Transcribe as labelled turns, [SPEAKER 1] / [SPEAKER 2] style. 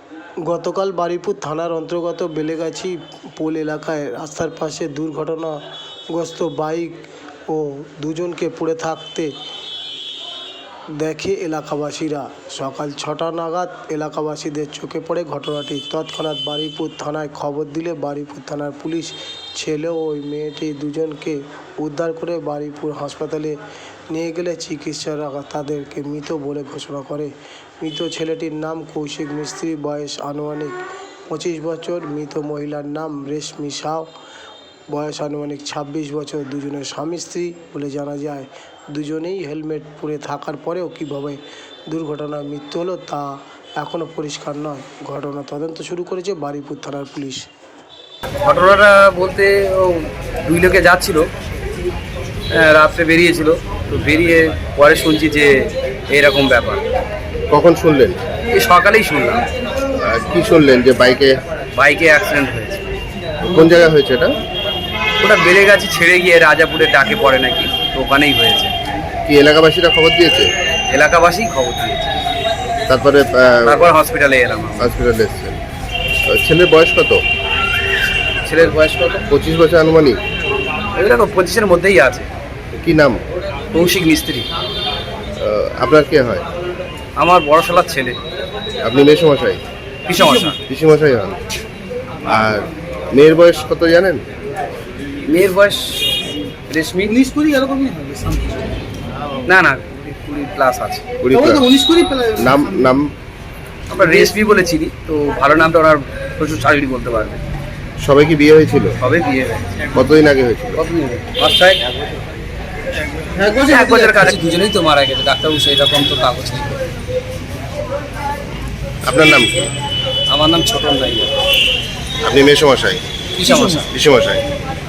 [SPEAKER 1] গতকাল বারুইপুর থানার অন্তর্গত বেলেগাছি পোল এলাকায় রাস্তার পাশে দুর্ঘটনাগ্রস্ত বাইক ও দুজনকে পড়ে থাকতে দেখে এলাকাবাসীরা। সকাল 6টা নাগাদ এলাকাবাসীদের চোখে পড়ে ঘটনাটি। তৎক্ষণাৎ বারুইপুর থানায় খবর দিলে বারুইপুর থানার পুলিশ ছেলে ও ওই মেয়েটি দুজনকে উদ্ধার করে বারুইপুর হাসপাতালে নিয়ে গেলে চিকিৎসকরা তাদেরকে মৃত বলে ঘোষণা করে। মৃত ছেলেটির নাম কৌশিক মিস্ত্রি, বয়স আনুমানিক 25 বছর। মৃত মহিলার নাম রেশমি সাউ, বয়স আনুমানিক 26 বছর। দুজনের স্বামী স্ত্রী বলে জানা যায়। দুজনেই হেলমেট পরে থাকার পরেও কীভাবে দুর্ঘটনায় মৃত্যু হলো তা এখনও পরিষ্কার নয়। ঘটনা তদন্ত শুরু করেছে বারুইপুর থানার পুলিশ।
[SPEAKER 2] ঘটনাটা বলতে ও দুই লোকে যাচ্ছিল, রাত্রে বেরিয়েছিল, তো বেরিয়ে পরে শুনছি যে এইরকম ব্যাপার।
[SPEAKER 3] কখন শুনলেন?
[SPEAKER 2] এই সকালেই শুনলাম।
[SPEAKER 3] কি শুনলেন? যে বাইকে
[SPEAKER 2] অ্যাক্সিডেন্ট হয়েছে।
[SPEAKER 3] কোন জায়গায় হয়েছে এটা?
[SPEAKER 2] ওটা বেলেগাছি ছেড়ে গিয়ে রাজাপুরের ডাকে পড়ে নাকি, তো ওখানেই হয়েছে।
[SPEAKER 3] কি এলাকাবাসীরা খবর দিয়েছে?
[SPEAKER 2] এলাকাবাসী খবর দিয়েছে,
[SPEAKER 3] তারপরে
[SPEAKER 2] তারপর হসপিটালে এলাম।
[SPEAKER 3] হসপিটালে এসেছেন। ছেলের বয়স কত?
[SPEAKER 2] ছেলের বয়স কত?
[SPEAKER 3] 25 বছর আনুমানিক।
[SPEAKER 2] এরকম 25-এর মধ্যেই আছে।
[SPEAKER 3] কি নাম?
[SPEAKER 2] কৌশিক মিস্ত্রি।
[SPEAKER 3] আপনার কে হয়?
[SPEAKER 2] আমার বড় শালার ছেলে।
[SPEAKER 3] আপনি মেসমশাই?
[SPEAKER 2] পিসমশা।
[SPEAKER 3] পিসমশাই হন। আর মেয়ের বয়স কত জানেন?
[SPEAKER 2] মেয়ের বয়স রেশমি
[SPEAKER 4] 19-20 এরকমই হবে।
[SPEAKER 2] না 20+ আছে।
[SPEAKER 3] 20 নাম নাম
[SPEAKER 2] আমরা রেশমি বলে চিনি, তো ভালো নামটা ওনার প্রচুর শারীরি বলতে পারবে।
[SPEAKER 3] সবাই কি বিয়ে হয়েছিল?
[SPEAKER 2] সবে বিয়ে হয়েছে।
[SPEAKER 3] কতদিন আগে হয়েছিল?
[SPEAKER 2] এক বছর কাছে। দুজনেই তো মারা গেছে, ডাক্তারবাবু সেই রকম তো কাগজ নেই।
[SPEAKER 3] আপনার নাম কি?
[SPEAKER 2] আমার নাম ছোটন নাইয়া।
[SPEAKER 3] আপনি মেসমশাই?
[SPEAKER 2] পিসমশা।
[SPEAKER 3] পিসমশাই।